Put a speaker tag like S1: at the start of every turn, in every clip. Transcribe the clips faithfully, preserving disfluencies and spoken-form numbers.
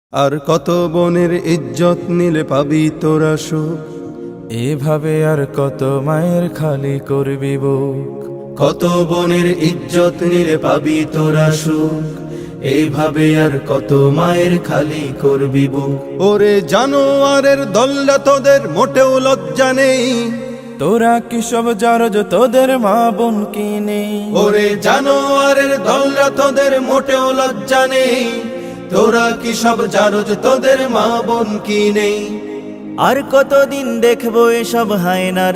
S1: আর কত বনের ইজ্জত নিলে পাবি তোরা সুখ,
S2: এভাবে আর কত মায়ের খালি করবি বুক।
S1: কত বনের ইজ্জত নিলে পাবি তোরা সুখ, এইভাবে আর কত মায়ের খালি করবি বুক। ওরে জানোয়ারের দল্লা তোদের মোটেও লজ্জা নেই,
S2: তোরা কি সব জারজ তোদের মা বোন কি নেই?
S1: ওরে জানোয়ারের দল্লা তোদের মোটেও লজ্জা নেই, তোরা কি সব জারজ তোদের মা বোন কি নেই?
S3: আর কতদিন দেখবো এসব হায়নার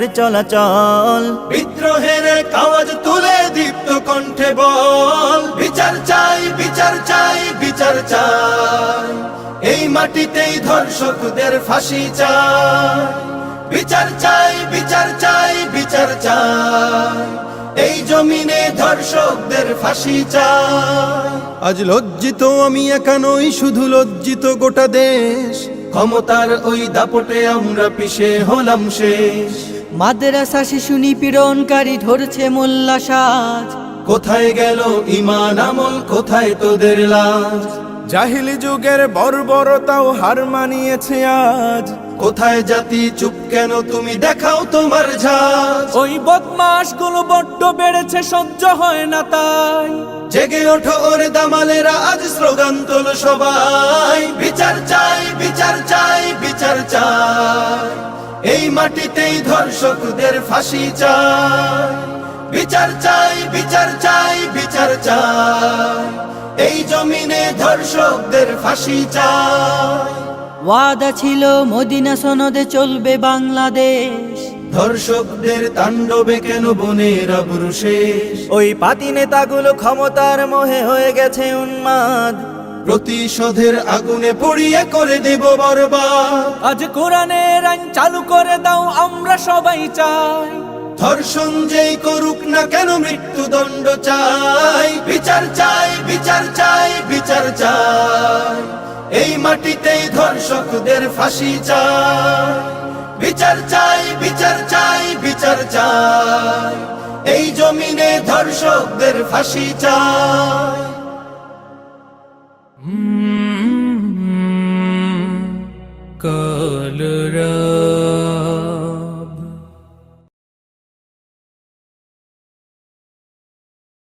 S3: চলাচল,
S1: বিদ্রোহের আওয়াজ তুলে দীপ্ত কণ্ঠে বল, বিচার চাই বিচার চাই বিচার চাই, এই মাটিতেই ধর্ষকদের ফাঁসি চাই। বিচার চাই বিচার চাই বিচার চাই, এই জমিনে ধর্ষকদের ফাঁসি চাই। আজ লজ্জিত আমি একা নই, শুধু লজ্জিত গোটা দেশ, ক্ষমতার ওই দাপটে আমরা পিছে হলাম শেষ।
S4: মাদ্রাসা শিশু নিপীড়নকারী ধরছে মোল্লা সাজ,
S1: কোথায় গেল ঈমান আমল, কোথায় তোদের লাজ?
S2: জাহিলি যুগের বর্বরতাও হার মানিয়েছে আজ।
S1: কোথায় জাতি চুপ কেন, তুমি দেখাও তোমার ঝাঁজ।
S2: ওই বদমাস গুলো বড্ড বেড়েছে, সহ্য হয় না তাই।
S1: জেগে ওঠো ওরে দামালেরা, আজ স্লোগান তোলো সবাই, বিচার চাই বিচার চাই বিচার চাই, এই মাটিতেই ধর্ষকদের ফাঁসি চাই। বিচার চাই বিচার চাই বিচার চাই, এই জমিনে ধর্ষকদের ফাঁসি চাই।
S4: ওয়াদা ছিল মদিনা সনদে চলবে বাংলাদেশ,
S1: ধর্ষকদের তাণ্ডবে কেন বনের আবরু শেষ?
S3: ওই পাতি নেতাগুলো ক্ষমতার মোহে হয়ে গেছে উন্মাদ,
S1: প্রতিশোধের আগুনে পড়িয়ে করে দেব বরবাদ।
S2: আজ কোরআনের আইন চালু করে দাও, আমরা সবাই চাই।
S1: ধর্ষণ যেই করুক না কেন মৃত্যুদণ্ড চাই। বিচার চাই বিচার চাই বিচার চাই, এই মাটিতেই ধর্ষকদের ফাঁসি চাই। বিচার চাই বিচার চাই বিচার চাই, এই জমিনে ধর্ষকদের ফাঁসি চাই।